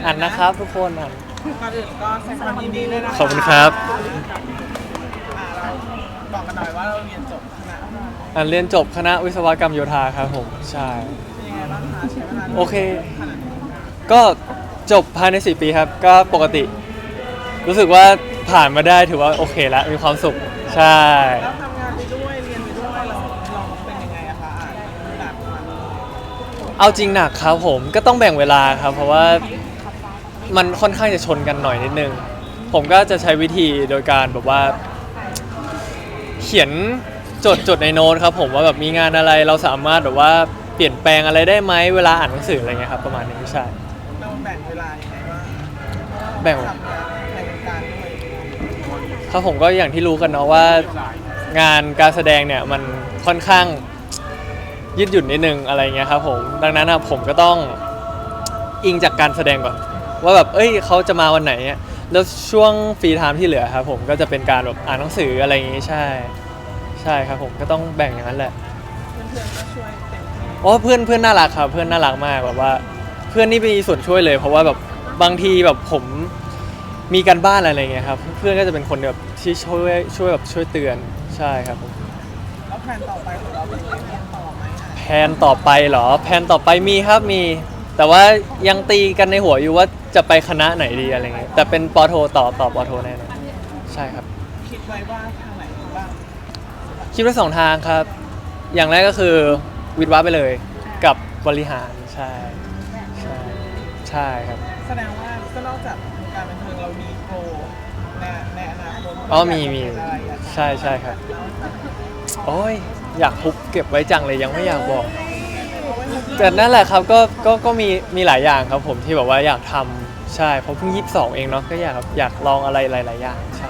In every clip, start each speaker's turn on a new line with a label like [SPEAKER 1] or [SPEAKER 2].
[SPEAKER 1] อ่านนะครับทุกคนอ่าน
[SPEAKER 2] ก่อนอื่นก็แสดงความยินดีด้วยนะคะ
[SPEAKER 1] ขอบคุณครับ
[SPEAKER 2] เราบอกกันหน่อยว่าเราเรียนจบคณะอะไร
[SPEAKER 1] เรียนจบคณะวิศวกรรมโยธาครับผมใช่
[SPEAKER 2] เป็นยังไงบ้างคะใช้เวลา
[SPEAKER 1] โอเค
[SPEAKER 2] ขนาดนี้
[SPEAKER 1] ก็จบภายใน4 ปีครับก็ปกติ รู้สึกว่าผ่านมาได้ถือว่าโอเคแล้วมีความสุขใช่
[SPEAKER 2] แล้วทำงานไปด้วยเรียนไปด้วยเราเป็นยังไงอะคะหนักมัน
[SPEAKER 1] เอาจริงหนักครับผมก็ต้องแบ่งเวลาครับเพราะว่ามันค่อนข้างจะชนกันหน่อยนิดนึงผมก็จะใช้วิธีโดยการแบบว่า เขียนจดในโน้ตครับผมว่าแบบมีงานอะไรเราสามารถแบบว่าเปลี่ยนแปลงอะไรได้ไหมเวลาอ่านหนังสืออะไรเงี้ยครับประมาณนี้ใช่
[SPEAKER 2] เราแบ่งเวลายังไงบ้าง
[SPEAKER 1] แบ่ง
[SPEAKER 2] ทำงานในวงการด้วย
[SPEAKER 1] ครับผมก็อย่างที่รู้กันเนาะว่างานการแสดงเนี่ยมันค่อนข้างยืดหยุ่นนิดนึงอะไรเงี้ยครับผมดังนั้นนะผมก็ต้องอิงจากการแสดงก่อนว่าแบบเอ้ยเขาจะมาวันไหนเนี่ยแล้วช่วงฟรีไทม์ที่เหลือครับผมก็จะเป็นการแบบอ่านหนังสืออะไรอย่างงี้ใช่ใช่ครับผมก็ต้องแบ่งอย่างนั้นแหละ
[SPEAKER 2] เพื่อนๆก็ช่วยเต็มที่
[SPEAKER 1] อ๋อเพื่อนน่ารักครับเพื่อนน่ารักมากแบบว่าเพื่อนนี่มีส่วนช่วยเลยเพราะว่าแบบบางทีแบบผมมีการบ้านอะไรเงี้ยครับเพื่อนก็จะเป็นคนแบบที่ช่วยแบบช่วยเตือนใช่ครับผม
[SPEAKER 2] แล้วแผนต่อไปของเราเป็นยังไงเรียนต่อไหมอะ
[SPEAKER 1] แผนต่อไปเหรอแผนต่อไปมีครับมี แต่ว่ายังตีกันในหัวอยู่ว่าจะไปคณะไหนดีอะไรเงี้ยแต่เป็นปอโทต่อปอโทแน่นอนใช่ครับ
[SPEAKER 2] คิดไว้ว่าทางไหนบ้าง
[SPEAKER 1] คิดว่า2 ทางครับ อย่างแรกก็คือวิทย์วะไปเลยกับบริหารใช่ใช่ใช่ครับ
[SPEAKER 2] แสดงว่าก็นอกจากวงการบันเทิงเรามีโปรในอนาคต
[SPEAKER 1] อ๋อมี
[SPEAKER 2] อะไรอะ
[SPEAKER 1] ใช่ครับโอ้ยอยากทุบเก็บไว้จังเลยยังไม่อยากบอกแต่นั่นแหละครับก็มีหลายอย่างครับผมที่แบบว่าอยากทำใช่เพราะเพิ่ง22เองเนาะก็อยากลองอะไรหลายๆอย่างใช่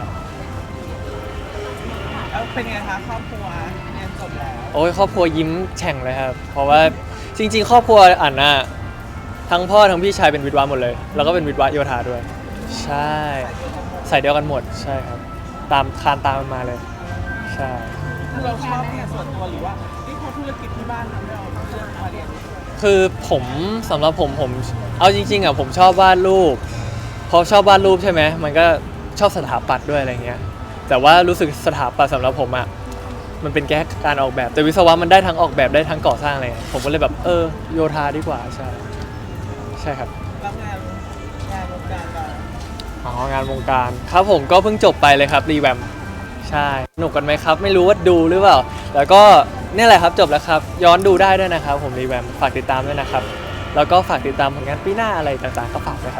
[SPEAKER 2] แล้วเป็นไงคะครอบครัวเรียนจบแล้ว
[SPEAKER 1] โอ้ยครอบครัวยิ้มแฉ่งเลยครับเพราะว่าจริงๆครอบครัวอ่านน่ะทั้งพ่อทั้งพี่ชายเป็นวิทย์วะหมดเลยแล้วก็เป็นวิทย์วะโยธาด้วยใช่ใส่เดียวกันหมดใช่ครับตามคานตามกันมาเลยใช่
[SPEAKER 2] เราชอบงานส่วนตัวหรือว่านี่เพราะธุรกิจที่บ้านทำให้เราต้องเลือกมาเรียน
[SPEAKER 1] คือผมสำหรับผมเอาจริงๆอ่ะผมชอบวาดรูปพอชอบวาดรูปใช่ไหมมันก็ชอบสถาปัตย์ด้วยอะไรเงี้ยแต่ว่ารู้สึกสถาปัตย์สำหรับผมอ่ะมันเป็นแค่การออกแบบแต่วิศวะมันได้ทั้งออกแบบได้ทั้งก่อสร้างอะไรเลยผมก็เลยแบบโยธาดีกว่าใช่ใช่ครับ
[SPEAKER 2] รับงานวงการเรา
[SPEAKER 1] อ๋องานวงการครับผมก็เพิ่งจบไปเลยครับรีแวมใช่สนุกกันไหมครับไม่รู้ว่าดูหรือเปล่าแต่ก็เนี่ยแหละครับจบแล้วครับย้อนดูได้ด้วยนะครับผมรีแวมฝากติดตามด้วยนะครับแล้วก็ฝากติดตามผลงานปีหน้าอะไรต่างๆก็ฝากด้วยครับ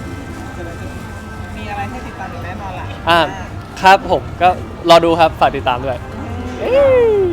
[SPEAKER 2] มีอะไรให้ติดตามอย่างแน่นอนล่ะ
[SPEAKER 1] ครับผมก็รอดูครับฝากติดตามด้วยเอ้ย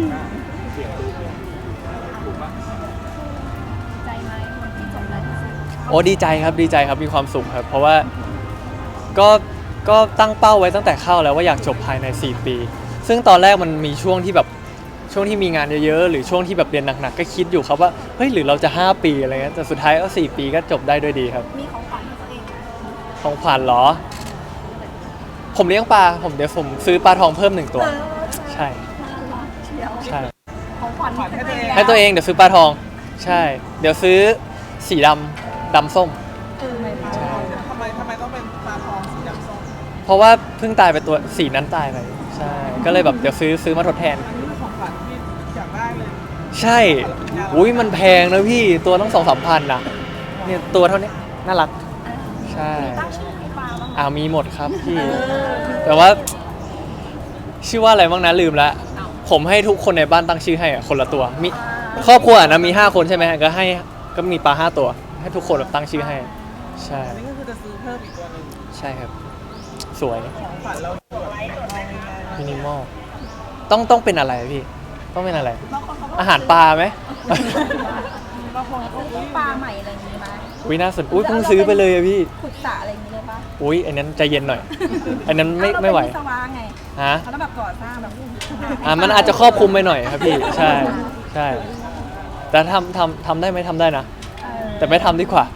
[SPEAKER 3] ใจไหมวันที่จบแล้วที่สุด
[SPEAKER 1] โอ้ดีใจครับมีความสุขครับเพราะว่าก็ตั้งเป้าไว้ตั้งแต่เข้าแล้วว่าอยากจบภายใน4 ปี ซึ่งตอนแรกมันมีช่วงที่แบบช่วงที่มีงานเยอะๆหรือช่วงที่แบบเรียนหนักๆก็คิดอยู่ครับว่าเฮ้ยหรือเราจะ5 ปีอะไรเงี้ยแต่สุดท้ายก็4 ปีก็จบได้ด้วยดีครับ
[SPEAKER 3] มีของขวัญให้ตัวเองไหม
[SPEAKER 1] ของขวัญเหรอ ผมเลี้ยงปลาเดี๋ยวผมซื้อปลาทองเพิ่ม1 ตัวใช่
[SPEAKER 3] เชียว
[SPEAKER 1] ใช่
[SPEAKER 3] ของขวัญให้ตัวเอง
[SPEAKER 1] ให้ตัวเองเดี๋ยวซื้อปลาทองใช่เดี๋ยวซื้อสีดำส้ม
[SPEAKER 3] ไม่พลาด
[SPEAKER 1] ใช่
[SPEAKER 2] ทำไมต้องเป็นปลาทองสีดำส้ม
[SPEAKER 1] เพราะว่าเพิ่งตายไปตัวสีนั้นตายไปใช่ก็เลยแบบเดี๋ยวซื้อมาทดแทน
[SPEAKER 2] อันนี้คือของขวัญที่อยากได้เลย
[SPEAKER 1] ใช่อุ้ยมันแพงนะพี่ตัวต้อง2-3 พันนะเนี่ยตัวเท่านี้น่ารักใช่
[SPEAKER 3] ตั้งชื่อให้ปลาบ้างไหม
[SPEAKER 1] มีหมดครับพี่แต่ว่าชื่อว่าอะไรบ้างนะลืมละผมให้ทุกคนในบ้านตั้งชื่อให้อะคนละตัวมีครอบครัวนะมี5 คนใช่ไหมก็มีปลา5 ตัวให้ทุกคนแบบตั้งชื่อให้ใช่
[SPEAKER 2] อันนี้ก็คือจะซื้อเพิ่มอีกตัวหนึ่ง
[SPEAKER 1] ใช่ครับสวย
[SPEAKER 2] ของขวัญเราแบบง่าย
[SPEAKER 1] มินิมอลต้องเป็นอะไรพี่ต้องเป็นอะไร
[SPEAKER 3] บางคนเขาก็
[SPEAKER 1] อาหารปลาไหม
[SPEAKER 2] ๆบางคนเขา
[SPEAKER 3] ซื้อปลาใหม่อะไรอย่างนี้ไหม
[SPEAKER 1] อุ้ยน่าสนอุ้ยเพิ่งซื้อไปเลยอะพี่
[SPEAKER 3] ขุดสระอะไรอย่างนี้เลยปะ
[SPEAKER 1] อุ้ยอันนั้นใจเย็นหน่อย อันนั้นไม่ไหว
[SPEAKER 3] เราเป็นวิศวะไง
[SPEAKER 1] ฮะ
[SPEAKER 3] เขาต้องแบบก่อสร้างแบบ
[SPEAKER 1] มันอาจจะครอบคลุมไปหน่อยครับพี่ใช่ใช่แต่ทำได้ไหมทำได้นะ แต่ไม่ทำดีกว่า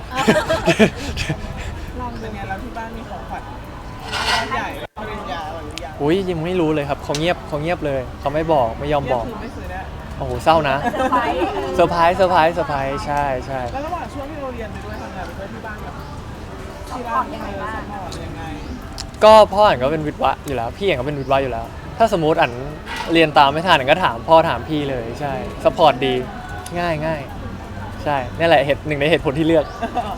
[SPEAKER 3] ลอง
[SPEAKER 2] เป็นไงแล้วที่บ้านมีของขวัญใหญ่ปริญญาหรือยัง
[SPEAKER 1] อุ้ยยังไม่รู้เลยครับเขาเงียบเลยเขาไม่บอกไม่ยอมบอก
[SPEAKER 2] คือไม่ซื้อเนี่ย
[SPEAKER 1] โอ้โหเศร้านะ
[SPEAKER 3] เซอร์ไพรส์
[SPEAKER 1] เซอร์ไพรส์ใช่
[SPEAKER 2] แล้วระหว่างช่วงที่เราเรียนไปด้วยทำงานไปด้วยที่บ้านแบบที่บ้านยังไงบ้างยังไง
[SPEAKER 1] ก็พ่ออ่านก็เป็นวิทย์วะอยู่แล้วพี่เองก็เป็นวิทย์วะอยู่แล้ว ถ้าสมมติอ่านเรียนตามไม่ทันอ่านก็ถามพ่อถามพี่เลยใช่สปอร์ตดีง่ายง่ายใช่นี่แหละหนึ่งในเหตุผลที่เลือก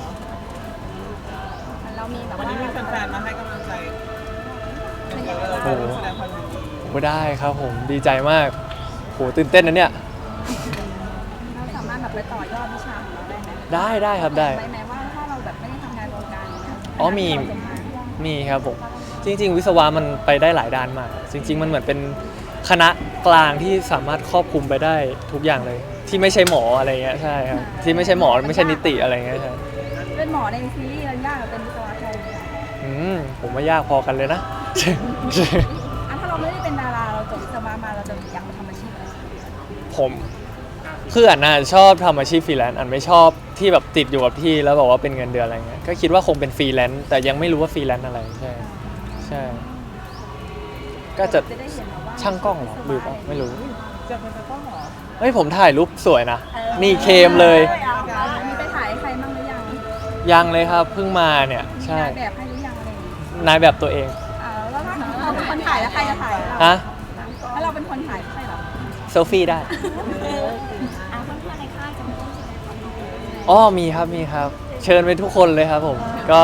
[SPEAKER 3] เรามีแบบ
[SPEAKER 2] วัน
[SPEAKER 3] ว่า
[SPEAKER 2] นี้มีแฟนๆมาให้กำลังใจ
[SPEAKER 1] โอ้โห
[SPEAKER 2] แสดงความยินดี
[SPEAKER 1] ผมก็ได้ครับผมดีใจมากโหตื่นเต้นนะเนี่ย
[SPEAKER 3] เราสามารถแบบไปต่อยอดวิชาของเราได้ไหม
[SPEAKER 1] ได้ครับได้
[SPEAKER 3] ไหมว่าถ้าเราแบบไม่ได้ทำงานวงการเนี้ย
[SPEAKER 1] อ๋อมี
[SPEAKER 3] เราจะา
[SPEAKER 1] มีครับผมจริง ๆ วิศวะมันไปได้หลายด้านมาก จริง ๆ มันเหมือนเป็นคณะกลางที่สามารถครอบคลุมไปได้ทุกอย่างเลย ที่ไม่ใช่หมออะไรเงี้ยใช่ครับที่ไม่ใช่หมอไม่ใช่นิติอะไรเงี้ยใช่
[SPEAKER 3] เป็นหมอในซีรีส์มันยากกว่าเป็นวิศวะไทยเลยอะ
[SPEAKER 1] ผมว่ายากพอกันเลยนะ
[SPEAKER 3] อ่ะถ้าเราไม่ได้เป็นดาราเราจบวิศวะมาเราจะอยากไปทำอาชีพอะไร
[SPEAKER 1] ผมคืออันน่ะชอบทำอาชีพฟรีแลนซ์อันไม่ชอบที่แบบติดอยู่กับที่แล้วบอกว่าเป็นเงินเดือนอะไรเงี้ยก็คิดว่าคงเป็นฟรีแลนซ์แต่ยังไม่รู้ว่าฟรีแลนซ์อะไรใช่ใช่ก็จะ
[SPEAKER 3] ได้เห็นมาว่า
[SPEAKER 1] ช่างกล้องเหรอหรือเปล่าไม่รู้
[SPEAKER 2] จะเป็นตะกล้องเหรอ
[SPEAKER 1] เฮ้ยผมถ่ายรูปสวยนะนี่เคมเลย
[SPEAKER 3] มีไปถ่ายให้ใครบ้างหรือยัง
[SPEAKER 1] ยังเลยครับเพิ่งมาเนี่ยใช่
[SPEAKER 3] นายแบบให้หรือยังอะไรอย่างงี้
[SPEAKER 1] นายแบบตัวเอง
[SPEAKER 3] แล้วถ้าเราเป็นคนถ่ายแล้วใครจะถ่ายเรา
[SPEAKER 1] ฮะ
[SPEAKER 3] ถ้าเราเป็นคนถ่ายไม่ใช่เหรอ
[SPEAKER 1] เซลฟี่ได้
[SPEAKER 3] เพื่อนๆในค่ายจะมีต้องแสดงความยินดี
[SPEAKER 1] อ๋อมีครับมีครับ เชิญไปทุกคนเลยครับผม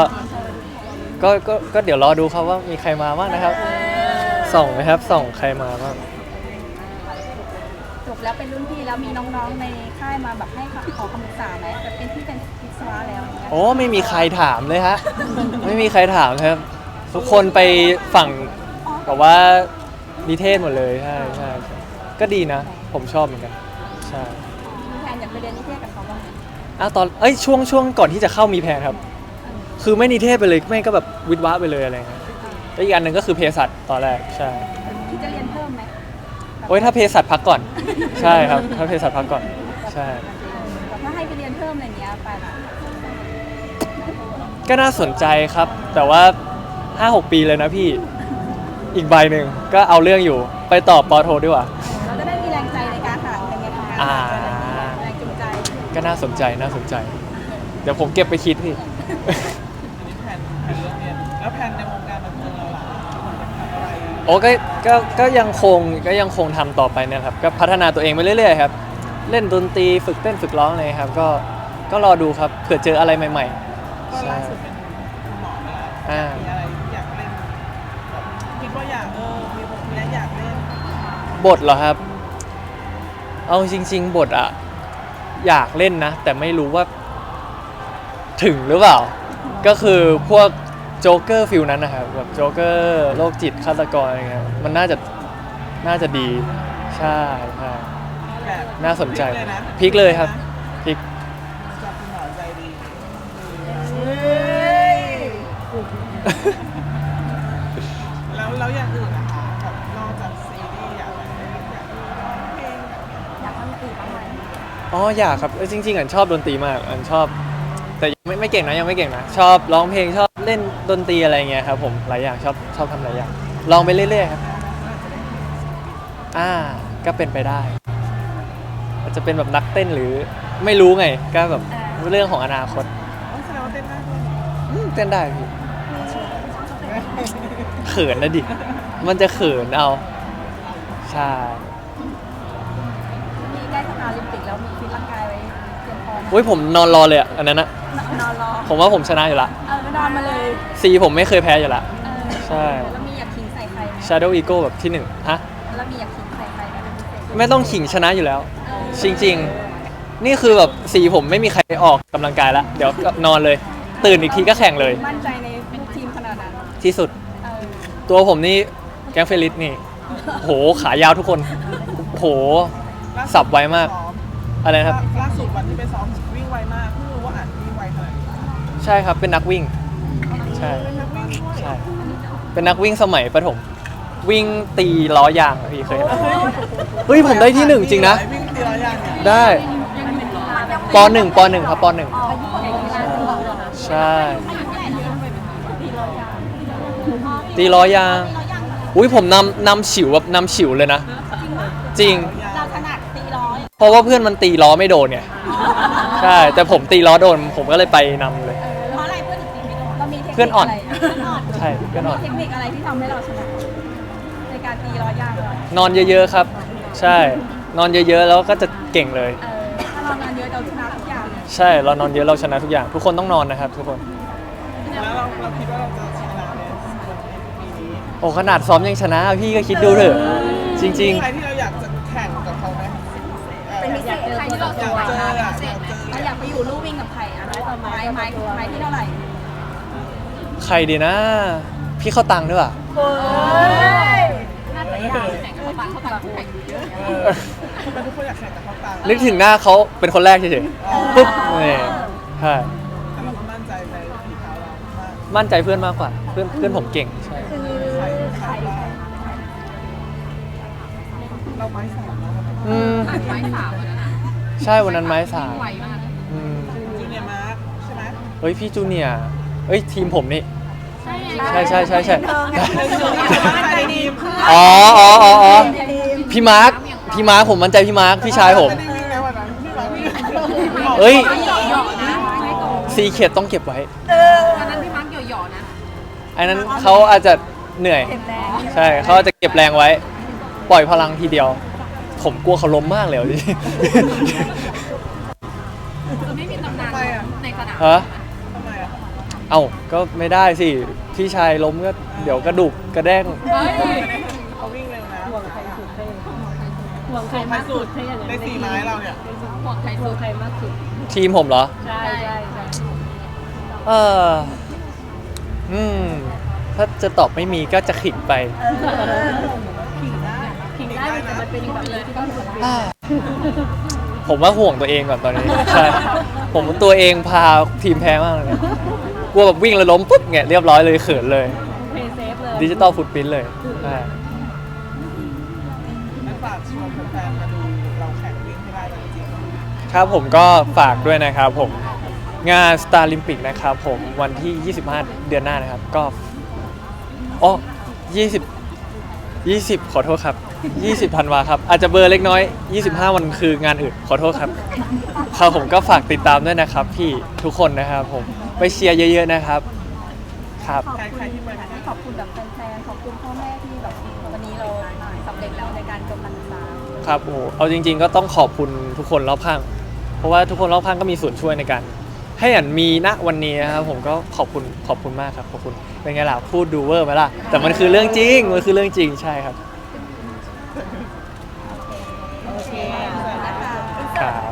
[SPEAKER 1] ก็เดี๋ยวรอดูครับว่ามีใครมาบ้างนะครับส่องไหมครับส่องใครมาบ้าง
[SPEAKER 3] จบแล้วเป็นรุ่นพี่แล้วมีน้องๆในค่ายมาแบบให้ขอคำปรึกษาไหมแบบเป็นที่เป็นวิศวะแล้วอย่างเงี้ย
[SPEAKER 1] โอ้ไม่มีใครถามเลยฮะ ไม่มีใครถามครับ ทุกคนไปฝั่งแบบว่านิเทศหมดเลยใช่ใช่ใช่ก็ดีนะ ผมชอบเหมือนกันใช่
[SPEAKER 3] มีแทนอยากไปเรียนนิเทศกับเขาบ้างไหม
[SPEAKER 1] ช่วงก่อนที่จะเข้ามีแพลนครับ คือไม่นิเทศไปเลยไม่ก็แบบวิทย์วะไปเลยอะไรเงี้ยแล้วอีกอันหนึ่งก็คือเภสัชตอนแรกใช่
[SPEAKER 3] คิดจะเรียนเพิ่มไหม
[SPEAKER 1] โอ้ยถ้าเภสัชพักก่อน ใช่ครับถ้าเภสัชพักก่อนใช่
[SPEAKER 3] แบบถ้าให้ไปเรียนเพิ่มอะไรเงี้ยไปละ
[SPEAKER 1] ก็น่าสนใจครับ แต่ว่า 5-6 ปีเลยนะพี่อีกใบหนึ่งก็เอาเรื่องอยู่ไปต่อปอโทดีกว่า
[SPEAKER 3] เราจะได้มีแรงใจในการหาเงินไงทำงาน
[SPEAKER 1] อ่า
[SPEAKER 3] แรงจูงใจ
[SPEAKER 1] ก็น่าสนใจเดี๋ยวผมเก็บไปคิดพี่
[SPEAKER 2] อันนี้แผนเรื่องเรียนแล้วแผนในวงการบันเทิงเราล่ะทำอะไร
[SPEAKER 1] โอ้ก็ยังคงทำต่อไปนะครับก็พัฒนาตัวเองไปเรื่อยๆครับเล่นดนตรีฝึกเต้นฝึกร้องเลยครับก็รอดูครับเผื่อเจออะไรใหม่
[SPEAKER 2] ก็
[SPEAKER 1] ๆใช่
[SPEAKER 2] ล่าสุดเป็นคุณหมอนี่แหละ
[SPEAKER 1] อ่า
[SPEAKER 2] มีอะไรที่อยากเล่นแบบคิดว่าอยากมีบทเนี้ยอยากเล่น
[SPEAKER 1] บทเหรอครับ เอาจริงๆบทอะอยากเล่นนะ แต่ไม่รู้ว่าถึงหรือเปล่า ก็คือพวกโจ๊กเกอร์ฟิลนั้นนะครับแบบโจ๊กเกอร์โรคจิตฆาตกรอะไรเงี้ยมันน่าจะดีใช่ใช่
[SPEAKER 2] แบบ
[SPEAKER 1] น่าสนใจ
[SPEAKER 2] เลยนะ
[SPEAKER 1] พลิกเลยครับพลิก
[SPEAKER 2] จากคุณหมอใจดีแล้วอย่างอื่นนะคะแบบนอกจากซีรีส์อยากอะไรอยากร้องเพลง
[SPEAKER 3] อยากทำอย่างอื่นบ้างไหม
[SPEAKER 1] อ๋ออยากครับจริงๆอันชอบดนตรีมากอันชอบ แต่ยังไม่เก่งนะยังไม่เก่งนะชอบร้องเพลงชอบเล่นดนตรีอะไรเงี้ยครับผมหลายอย่างชอบทำหลายอย่างลองไปเรื่อยๆครับก็เป็นไปได้อาจจะเป็นแบบนักเต้นหรือไม่รู้ไงก็แบบเรื่องของอนาคต
[SPEAKER 2] ต้องแสดงว่าเต้นได้ด้วย
[SPEAKER 1] เต้นได้พี่เขินนะดิมันจะเขินเอาใช่
[SPEAKER 3] มีใกล้สนามโอลิมปิกแล้วมีฟิตร่างกายไว้เตรียมพร้อม
[SPEAKER 1] อุ้ยผมนอนรอเลยอะอันนั้นนะ
[SPEAKER 3] นอนรอ
[SPEAKER 1] ผมว่าผมชนะอยู่ละ
[SPEAKER 3] นอนมาเลย
[SPEAKER 1] ซีผมไม่เคยแพ้อยู่ละ ใช่
[SPEAKER 3] แล้วมีอยากขิงใส่ใครไหม
[SPEAKER 1] Shadow Ego แบบที่หนึ่งฮะ
[SPEAKER 3] แล้วมีอยากขิงใส่ใครไหมเป็นพิเศษ
[SPEAKER 1] ไม่ต้องขิงชนะอยู่แล้ว จริงๆ นี่คือแบบสีผมไม่มีใครออกกำลังกายแล้ว เดี๋ยวนอนเลย ตื่นอีกทีก็แข่งเลย
[SPEAKER 3] มั่นใจในลูกทีมขนาดนั้น
[SPEAKER 1] ที่สุด ตัวผมนี่แก๊งเฟลิสนี่โหขายาวทุกคนโห สับไวมาก อะไรนะครับ
[SPEAKER 2] ล่าสุดวันที่ไปซ้อมวิ่งไวมากเพิ่งรู้ว่าอ่านวิ่งไวขนาดนี้
[SPEAKER 1] ใช่ครับเป็นนักวิ่ง ใช่
[SPEAKER 2] เป็นนักวิ่งด้วย
[SPEAKER 1] ใช่เป็นนักวิ่งสมัยประถมวิ่งตีล้อยางอะพี่เคยเห็นไหมเฮ้ยผมได้ที่หนึ่งจริงนะ
[SPEAKER 2] วิ่งตีล้อยางเนี่ย
[SPEAKER 1] ได้ปหนึ่งครับปหนึ่งใช่ตีล้อยางอุ้ยผมนำฉิวแบบนำฉิวเลยนะ จริง
[SPEAKER 3] เราถนัดตีร้อย
[SPEAKER 1] เพราะว่าเพื่อนมันตีล้อไม่โดนไงใช่แต่ผมตีล้อโดนผมก็เลยไปนำเลย
[SPEAKER 3] เพราะอะไรเพื่อนถึงตีไม่โดนเรามี
[SPEAKER 1] เพื่อนอ่อน
[SPEAKER 3] เพื่อนอ่อน
[SPEAKER 1] ใช่เพื่อนอ่อน
[SPEAKER 3] มีเทคนิคอะไรที่ทำให้เราชนะในการตีร้อยยางเรา
[SPEAKER 1] นอนเยอะๆครับ ใช่ นอนเยอะๆแล้วก็จะเก่งเลย
[SPEAKER 3] ถ้าเรานอนเยอะเราชนะทุกอย่าง
[SPEAKER 1] ใช่เรานอนเยอะเราชนะทุกอย่าง ทุกคนต้องนอนนะครับ ทุกคน
[SPEAKER 2] แล้วเราคิดว่าเราจะชนะในปีนี้
[SPEAKER 1] โอ้ขนาดซ้อมยังชนะพี่ก็คิดดูเถอะจริง
[SPEAKER 2] ใครที่เราอยากจะแข่งกับเขาไหม
[SPEAKER 3] เป็นพิเศษใครที่เรา
[SPEAKER 2] อยากเจออะ
[SPEAKER 3] เราอยากไปอยู่ลู่วิ่งกับใครอ่ะไม้ที่เท่าไหร่
[SPEAKER 1] ๆ ใครดีนะ พี่เข้าตังค์ด้วยป่ะ
[SPEAKER 3] น่าจะยากแข่งกับปากเขาตังแข่งเยอะ
[SPEAKER 2] ทำไมทุกคนอยากแข่งกับเขาตัง
[SPEAKER 1] นึกถึงหน้าเขาเป็นคนแรกเฉยๆปุ๊บนี่ใช่
[SPEAKER 2] แต่เราก็มั่นใจในฝีเท้าเรามาก
[SPEAKER 1] มั่นใจเพื่อนมากกว่า เพื่อนผมเก่งใช่
[SPEAKER 3] คือใคร
[SPEAKER 2] เราไม้สามเนาะ
[SPEAKER 1] อืม
[SPEAKER 3] ไม้สามวันนั้น
[SPEAKER 1] ใช่วันนั้นไม้สาม
[SPEAKER 3] ไวมาก
[SPEAKER 1] อืม
[SPEAKER 2] จูเนียร์มาร์คใช่ไหม
[SPEAKER 1] เฮ้ยพี่จูเนียร์เอ้ยทีมผมนี่
[SPEAKER 3] ใช่
[SPEAKER 1] ใช่
[SPEAKER 2] มั่นใจดีมาก
[SPEAKER 1] อ๋อพี่มาร์คผมมั่นใจพี่มาร์คพี่ชายผม
[SPEAKER 2] ไม่ได้วิ่งแล้ววันนั้นพี่มาร์ควิ่ง
[SPEAKER 1] เอ้ย
[SPEAKER 3] หยอกนะไม่โกง
[SPEAKER 1] ซีเขียดต้องเก็บไว้
[SPEAKER 3] วันนั้นพี่มาร์กหยอกนะ
[SPEAKER 1] อันนั้นเขาอาจจะเหนื่อย ใช่เขาอาจจะเก็บแรงไว้ ปล่อยพลังทีเดียว ผมกลัวเขาล้มมากเลยจริง
[SPEAKER 3] คือไม่มีตำนานในสนาม
[SPEAKER 1] ฮะ
[SPEAKER 2] ทำไมอ่ะ
[SPEAKER 1] เอ้าก็ไม่ได้สิพี่ชายล้มก็เดี๋ยวกระดูกกระแด้ง
[SPEAKER 2] เขาวิ่งเร็วนะ
[SPEAKER 3] ห่วงใครสุดเท่
[SPEAKER 2] ใครสุดในสี่ไม้เราเนี่ย
[SPEAKER 3] ห่วงใครสุดใครมากสุด
[SPEAKER 1] ทีมผมเหรอ
[SPEAKER 3] ใช่ใช่
[SPEAKER 1] เอออืมถ้าจะตอบไม่มีก็จะขิงไป
[SPEAKER 3] ขิงได้แต่มันเป็นแบบเลยที่ต้องถูก
[SPEAKER 1] ผมว่าห่วงตัวเองก่อนตอนนี้ ใช่ ผมตัวเองพาทีมแพ้มากเลยเนี่ยกลัวแบบวิ่งแล้วล้มปุ๊บเนี่ยเรียบร้อยเลยเขินเลย
[SPEAKER 3] เพย์เซฟเลย
[SPEAKER 1] ดิจิตอลฟุตพิ้นเลยใช่
[SPEAKER 2] นั่นฝากชวนแฟนๆมาดูเราแข่งวิ่งให้ได้จริง
[SPEAKER 1] ครับผมก็ฝากด้วยนะครับผมงาน Star Olympic นะครับผมวันที่ 25 เดือนหน้านะครับก็อ๋อ20 ขอโทษครับ 20 ธันวาครับ อาจจะเบลอร์เล็กน้อย 25 วันคืองานอื่น ขอโทษครับครับผมก็ฝากติดตามด้วยนะครับพี่ทุกคนนะครับผมไปเชียร์เยอะๆนะครับครับ
[SPEAKER 2] ๆใครที่ไป
[SPEAKER 3] ขอบคุณแบบแฟนๆขอบคุณพ่อแม่ที่แบบวันนี้เราสำเร็จแล้วในการจบการศึกษา
[SPEAKER 1] ครับโอ้โหเอาจริงๆก็ต้องขอบคุณทุกคนรอบข้าง เพราะว่าทุกคนรอบข้างก็มีส่วนช่วยในการให้อันมีณวันนี้นะครับผมก็ขอบคุณมากครับขอบคุณเป็นไงล่ะพูดดูเวอร์ไหมล่ะแต่มันคือเรื่องจริงมันคือเรื่องจริงใช่ครับ
[SPEAKER 3] โอเค
[SPEAKER 1] ครับ